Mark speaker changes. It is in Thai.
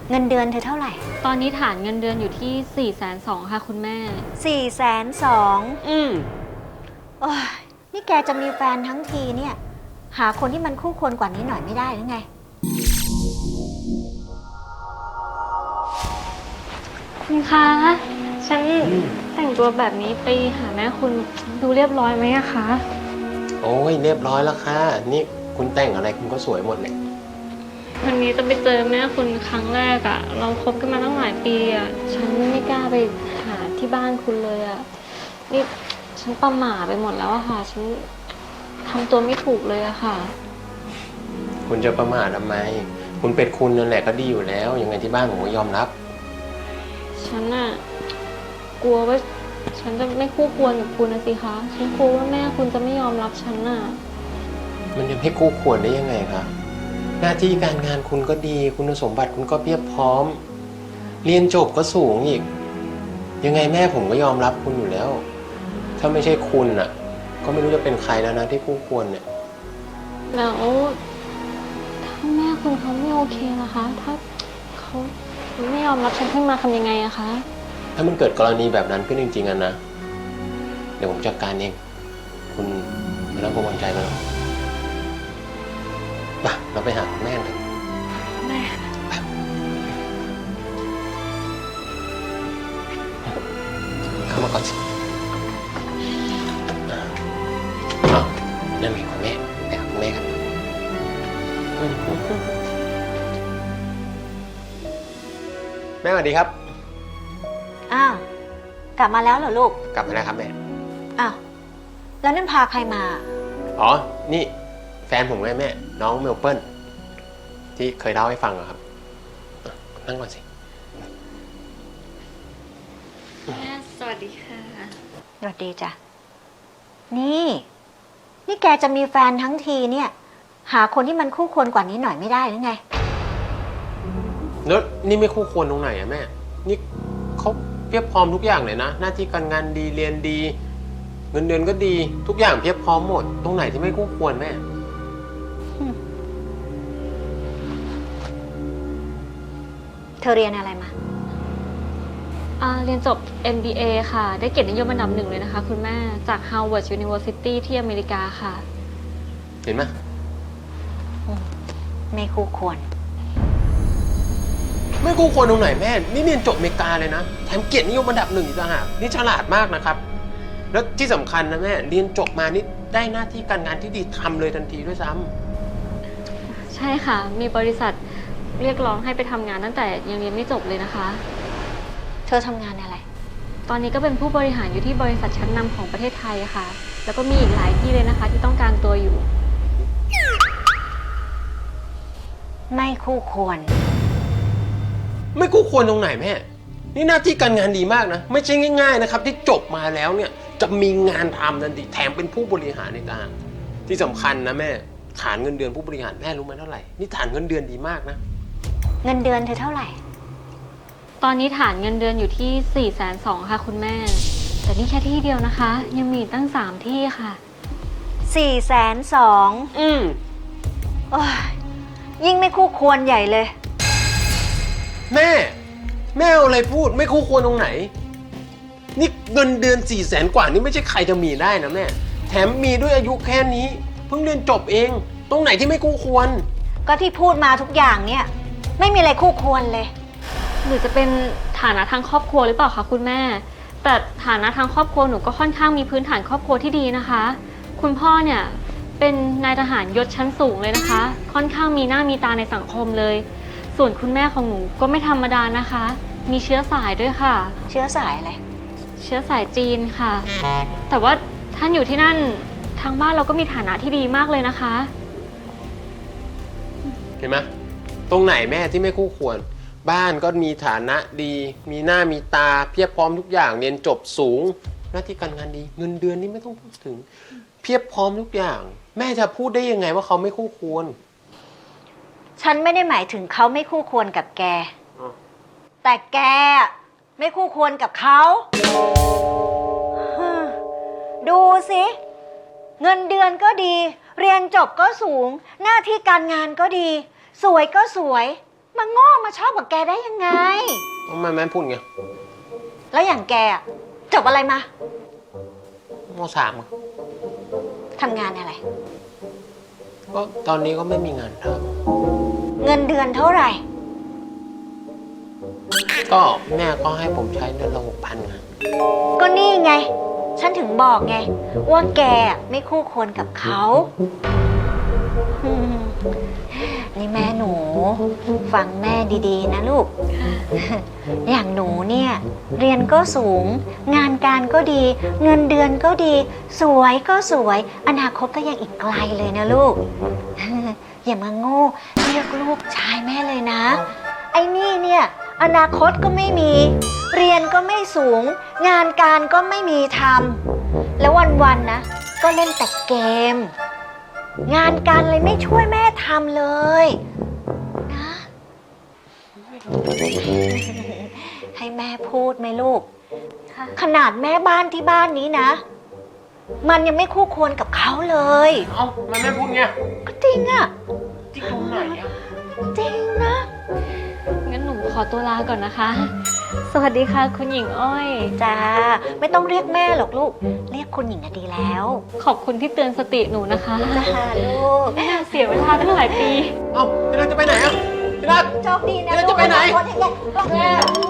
Speaker 1: เงินเดือนเธอเท่าไหร่
Speaker 2: ตอนนี้ฐานเงินเดือนอยู่ที่420,000ค่ะคุณแม่
Speaker 1: 420,000โอ้ยนี่แกจะมีแฟนทั้งทีเนี่ยหาคนที่มันคู่ควรกว่านี้หน่อยไม่ได้หรือไง
Speaker 2: คุณคะฉันแต่งตัวแบบนี้ไปหาแม่คุณดูเรียบร้อยไหมอะคะ
Speaker 3: โอ้ยเรียบร้อยแล้วค่ะนี่คุณแต่งอะไรคุณก็สวยหมดเลย
Speaker 2: วันนี้จะไปเจอแม่คุณครั้งแรกอะเราคบกันมาตั้งหลายปีอะฉันไม่กล้าไปหาที่บ้านคุณเลยอะนี่ฉันประหม่าไปหมดแล้วอะค่ะฉันทำตัวไม่ถูกเลยอะค่ะ
Speaker 3: คุณจะประมาททำไมคุณเป็นคุณนั่นแหละก็ดีอยู่แล้วยังไงที่บ้านผมก็ยอมรับ
Speaker 2: ฉันอะกลัวว่าฉันจะไม่คู่ควรกับคุณนะสิคะฉันกลัวว่าแม่คุณจะไม่ยอมรับฉันอะ
Speaker 3: มันจะไม่คู่ควรได้ยังไงคะหน้าที่การงานคุณก็ดีคุณสมบัติคุณก็เพียบพร้อมเรียนจบก็สูงอีกยังไงแม่ผมก็ยอมรับคุณอยู่แล้วถ้าไม่ใช่คุณอ่ะก็ไม่รู้จะเป็นใครแล้วนะที่คู่ควรเนี่ย
Speaker 2: แล้วถ้าแม่คุณเขาไม่โอเคล่ะคะถ้าเขาไม่ยอมรับฉันขึ้นมาทำยังไงอะคะ
Speaker 3: ถ้ามันเกิดกรณีแบบนั้นขึ้นจริงๆอะนะเดี๋ยวผมจัดการเองคุณไม่ต้องกังวลใจไปหรอกไปเราไปหาคุณแม่กัน
Speaker 2: แม่
Speaker 3: เข้ามาก่อนสินั่นมีคุณแม่ไปหาคุณแม่กันแม่สวัสดีครับ
Speaker 1: อ้าวกลับมาแล้วเหรอลูก
Speaker 3: กลับมาแล้วครับแม่
Speaker 1: อ้าวแล้วนั่นพาใครมา
Speaker 3: อ๋อนี่แฟนผมไงแม่น้องเมลเปิลที่เคยเล่าให้ฟังอะครับนั่งก่อนสิ
Speaker 2: แม่สวัสดีค่ะ
Speaker 1: สวัสดีจ้ะนี่แกจะมีแฟนทั้งทีเนี่ยหาคนที่มันคู่ควรกว่านี้หน่อยไม่ได้หรือไง
Speaker 3: แล้วนี่ไม่คู่ควรตรงไหนอะแม่นี่เขาเพียบพร้อมทุกอย่างเลยนะหน้าที่การงานดีเรียนดีเงินเดือนก็ดีทุกอย่างเพียบพร้อมหมดตรงไหนที่ไม่คู่ควรแม่
Speaker 1: เธอเรียนอะไรมา
Speaker 2: เรียนจบ MBA ค่ะได้เกียรตินิยมอันดับ1เลยนะคะคุณแม่จาก Harvard University ที่อเมริกาค่ะ
Speaker 3: เห็นไหม
Speaker 1: ไม่คู่ควร
Speaker 3: ไม่คู่ควรตรงไหนแม่นี่เรียนจบอเมริกาเลยนะแถมเกียรตินิยมอันดับ1อีกต่างหากนี่ฉลาดมากนะครับแล้วที่สำคัญนะแม่เรียนจบมานี่ได้หน้าที่การงานที่ดีทำเลยทันทีด้วยซ้
Speaker 2: ำใช่ค่ะมีบริษัทเรียกร้องให้ไปทำงานตั้งแต่ยังเรียนไม่จบเลยนะคะ
Speaker 1: เธอทำงานอะไร
Speaker 2: ตอนนี้ก็เป็นผู้บริหารอยู่ที่บริษัทชั้นนำของประเทศไทยค่ะแล้วก็มีอีกหลายที่เลยนะคะที่ต้องการตัวอยู่
Speaker 1: ไม่คู่ควร
Speaker 3: ไม่คู่ควรตรงไหนแม่นี่หน้าที่การงานดีมากนะไม่ใช่ง่ายๆนะครับที่จบมาแล้วเนี่ยจะมีงานทำทันทีแถมเป็นผู้บริหารในการที่สำคัญนะแม่ฐานเงินเดือนผู้บริหารแม่รู้ไหมเท่าไหร่นี่ฐานเงินเดือนดีมากนะ
Speaker 1: เงินเดือนเธอเท่าไหร่
Speaker 2: ตอนนี้ฐานเงินเดือนอยู่ที่420,000ค่ะคุณแม่แต่นี่แค่ที่เดียวนะคะยังมีตั้ง3ที่ค่ะ
Speaker 1: 420,000โอ้ยยิ่งไม่คู่ควรใหญ่เลย
Speaker 3: แม่เอาอะไรพูดไม่คู่ควรตรงไหนนี่เงินเดือน400,000 กว่านี่ไม่ใช่ใครจะมีได้นะแม่แถมมีด้วยอายุแค่นี้เพิ่งเรียนจบเองตรงไหนที่ไม่คู่ควร
Speaker 1: ก็ที่พูดมาทุกอย่างเนี่ยไม่มีอะไรคู่ควรเลย
Speaker 2: หรือจะเป็นฐานะทางครอบครัวหรือเปล่าคะคุณแม่แต่ฐานะทางครอบครัวหนูก็ค่อนข้างมีพื้นฐานครอบครัวที่ดีนะคะคุณพ่อเนี่ยเป็นนายทหารยศชั้นสูงเลยนะคะค่อนข้างมีหน้ามีตาในสังคมเลยส่วนคุณแม่ของหนูก็ไม่ธรรมดานะคะมีเชื้อสายด้วยค่ะ
Speaker 1: เชื้อสายอะไร
Speaker 2: เชื้อสายจีนค่ะแต่ว่าท่านอยู่ที่นั่นทางบ้านเราก็มีฐานะที่ดีมากเลยนะคะ
Speaker 3: เห็นไหมตรงไหนแม่ที่ไม่คู่ควรบ้านก็มีฐานะดีมีหน้ามีตาเพียบพร้อมทุกอย่างเรียนจบสูงหน้าที่การงานดีเงินเดือนนี่ไม่ต้องพูดถึงเพียบพร้อมทุกอย่างแม่จะพูดได้ยังไงว่าเขาไม่คู่ควร
Speaker 1: ฉันไม่ได้หมายถึงเขาไม่คู่ควรกับแกแต่แกไม่คู่ควรกับเขาดูสิเงินเดือนก็ดีเรียนจบก็สูงหน้าที่การงานก็ดีสวยก็สวยมาโง่มาชอบกับแกได้ยังไง
Speaker 3: ทำไมแม่พูดไง
Speaker 1: แล้วอย่างแกอะจบอะไรมา
Speaker 3: มสามอะ
Speaker 1: ทำงานอะไร
Speaker 3: ก็ตอนนี้ก็ไม่มีงานท
Speaker 1: เงินเดือนเท่าไหร่
Speaker 3: ำก็แม่ก็ให้ผมใช้เดือนละ6,000ไง
Speaker 1: ก็นี่ไง ฉันถึงบอกไง ว่าแกไม่คู่ควรกับเขาอืมนี่แม่หนู ฟังแม่ดีๆนะลูก อย่างหนูเนี่ย เรียนก็สูง งานการก็ดี เงินเดือนก็ดี สวยก็สวย อนาคตก็ยังอีกไกลเลยนะลูก อย่ามาโง่เรียกลูกชายแม่เลยนะ ไอ้นี่เนี่ย อนาคตก็ไม่มี เรียนก็ไม่สูง งานการก็ไม่มีทำแล้ววันๆนะ ก็เล่นแต่เกม งานการเลยไม่ช่วยแม่ทำเลยนะ ให้แม่พูดไหมลูก
Speaker 2: ค่ะ
Speaker 1: ขนาดแม่บ้านที่บ้านนี้นะ มันยังไม่คู่ควรกับเขาเลย
Speaker 3: เอ้าทำไมแม่พูดไง
Speaker 1: ก็จริงอะ
Speaker 3: จริงตรงไหนอะ
Speaker 1: จริงนะ
Speaker 2: งั้นหนูขอตัวลาก่อนนะคะ สวัสดีค่ะ คุณหญิงอ้อย
Speaker 1: จ้าไม่ต้องเรียกแม่หรอกลูก เรียกคุณหญิงก็ดีแล้ว
Speaker 2: ขอบคุณที่เตือนสติหนูนะคะ
Speaker 1: จ้าลูก
Speaker 2: ไม่น่าเสียเวลาตั้งหลายปี
Speaker 3: เอ้าพี่รักจะไปไหนอะพี่รัก
Speaker 1: โชคดีนะ
Speaker 3: แล้วจะไปไหน
Speaker 1: ลูกอนาคตให้แก